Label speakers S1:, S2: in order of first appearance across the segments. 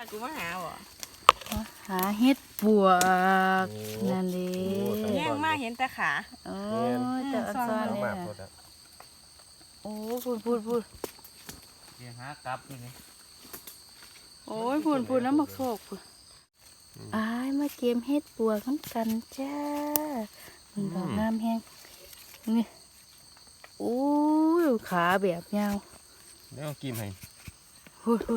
S1: กูมาหาบ่
S2: หาเห็ดปวกนั่นดิ
S1: แย่งมาเห็นแต่ขา
S2: โอ้ยแต่อักษรเลยนะโอ้พูด
S3: เดี๋ยวหากลับอยู่นี่
S2: โอ้ยพูดน้ำมักโศกพูดอ้ายมาเกมเห็ดปวกน้ำกันจ้ามันดอกงามแห้งนี่โอ้ยขาแบบยาว
S3: เดี๋ยวกินให้
S2: พูด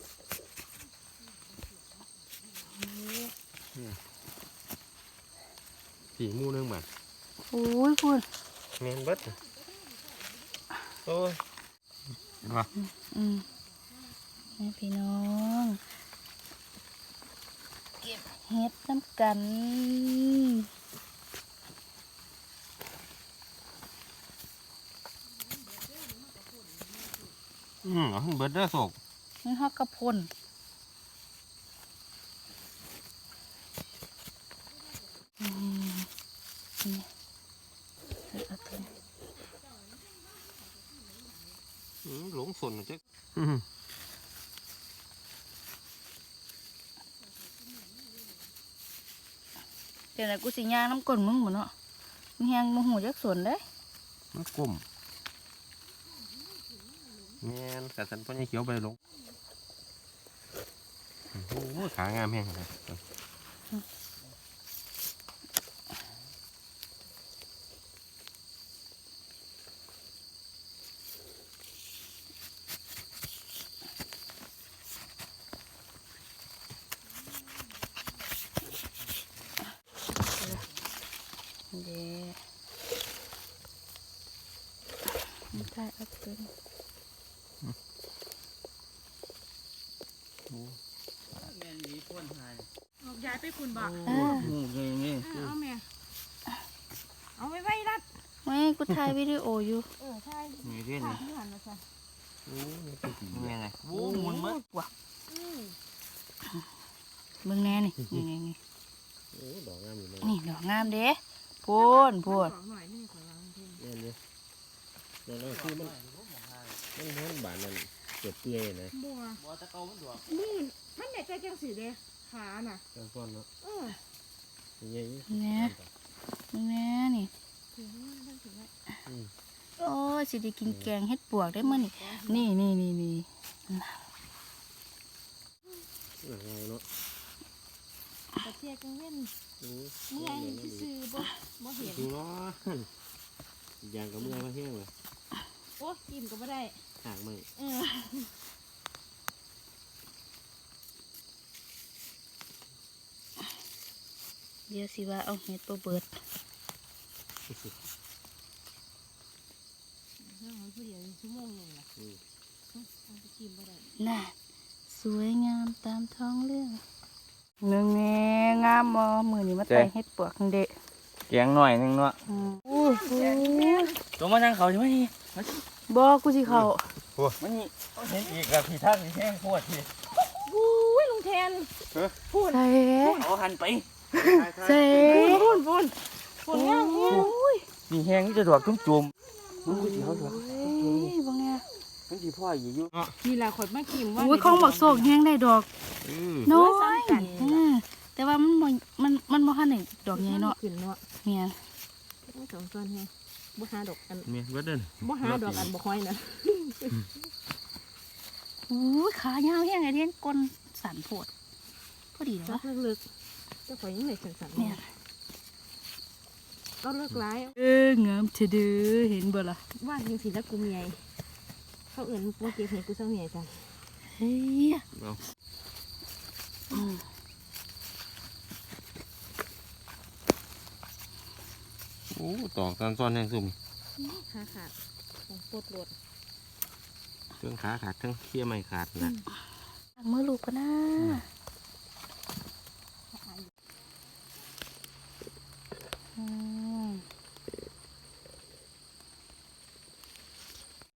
S3: ผีมูนึงบาท
S2: โอ้ยพูด
S3: เมนเบิดโอ้ยเห็นปะ
S2: นี่พี่น้องเก็บเห็ดน้ำกัน
S3: เอาขึ้นเบิดเด้อโศก
S2: นี่ฮอกกระพนนี่เอาตัวนี้
S3: หลงสนจ๊ก
S2: เดี๋ยวนะกูสิย่างน้ำก้นมึงหมดเนาะมึงแหงมึงหูจักสวนเด้
S3: มันกลมแมนแต่สันพ่อใหญ่เขียวไปลงโอ้โหขางามแห้งเลย
S2: เด้ไม่ได้เอาตัวนี้
S3: แม่นี้พ่นหาย
S1: ย้ายไปคุณบ่
S3: หูเลยนี่
S1: เอาแม่เอาไว้รัด
S2: ไม่กูถ่ายวิดีโออยู่
S1: ใช่
S3: มีเรื่อง
S1: ขา
S3: นี้
S1: ที่หันมาซะ
S3: โอ้ยเป็นไงโอ้หมุนมั้ย
S2: ว่ะมึงแน่นี่นี่
S3: โอ้ดอกงามอยู่เลย
S2: นี่ดอกงามเด้พูน
S1: หน่อยนี่ขอวางเพิ่ม
S3: เนี่ยเนี่ยแล้วคือมันบานนั่นเกิดเปื่อยนะ
S1: บัว
S3: บัวตะเกามันดอก
S1: มือมันไหนใจจังสีเด้ขาน่ะ
S3: จังก้อนเนาะ
S1: เ
S3: ยังไง
S2: มึงแน่นี่
S1: ถือว่ามันถือว่า
S2: โอ้ยสิได้กินแกงเห็ดปวกได้มั้ยนี่นี่
S3: เนาะ
S1: ตะเทียกังเว้น
S3: โอ้
S1: เมื่อยซื้อบ่เห็น
S3: ดูร้อนยางกับเมื่อยมาแห้งเลย
S1: โอ้กินก็ไม่ได้
S3: ห่างไม่
S2: เดี๋ยวสิว่าเอาเห็ดบ่เบิด
S1: เรื่องของผู้เดียวชั่วโมงนึงล่ะเอาไปกินบ่ได้
S2: น่ะสวยงามตามท้องเรื่องหนึ่งแงงามบ่มื้อนี้มาใส่เห็ดปวกเด้
S3: แกงหน่อยนึงเนาะ
S2: อู้หู
S3: ตัวมาทางเขาใช่ไหมนี่
S2: บ่กูสิเข้า
S3: มันนี่เห็นอีกกับพี่ท่านนี่แห้งโคตรพี่
S1: อุ้ยลุงแทนพูด
S2: ใส่
S3: เอาหันไป
S2: ใส่
S1: พูดงาม
S3: นี่แห้งนี่จะดอกจุ่มมันก็สิเขาดอก
S2: เฮ้ยบ่แน่
S3: มันสิพ่ออยู่
S1: นี่แหละขดมากินว่า
S2: อุ้ยของบักโศกแฮงได้ดอกน้อยแต่ว่ามันบ่ทันได้ดอกใหญ่เนาะ
S1: ขึ้นเนาะ
S2: แม่น
S1: สองต้นแฮะบ่หาดอกอัน
S3: เมียเบิดเดิน
S1: บ่หาดอกอันบ่ค่อยนะ
S2: อุ้ยขายาวแฮงไอ้เด่นก้นสั่นโพดพอดีแล้ว
S1: จั
S2: วะ
S1: กลึกๆจะข่อยยังได้สั่นๆ
S2: แม่น
S1: เอาเลิกร้าย
S2: งามเถอะเด้อเห็นบ่ล่ะ
S1: ว่าจริงสิแล้วกูเมียเขาเอื่นว่าเก็บเห็ดกูเศร้าเมียจัง
S2: เฮ้ย
S3: เอาโอ้ตอกซ้อนแห้งซุ่ม
S1: ขาขาดของปวดรถ
S3: เครื่องขาขาดทั้งเขี้ยไม่ขาดนะ
S2: มือลูกก็น่า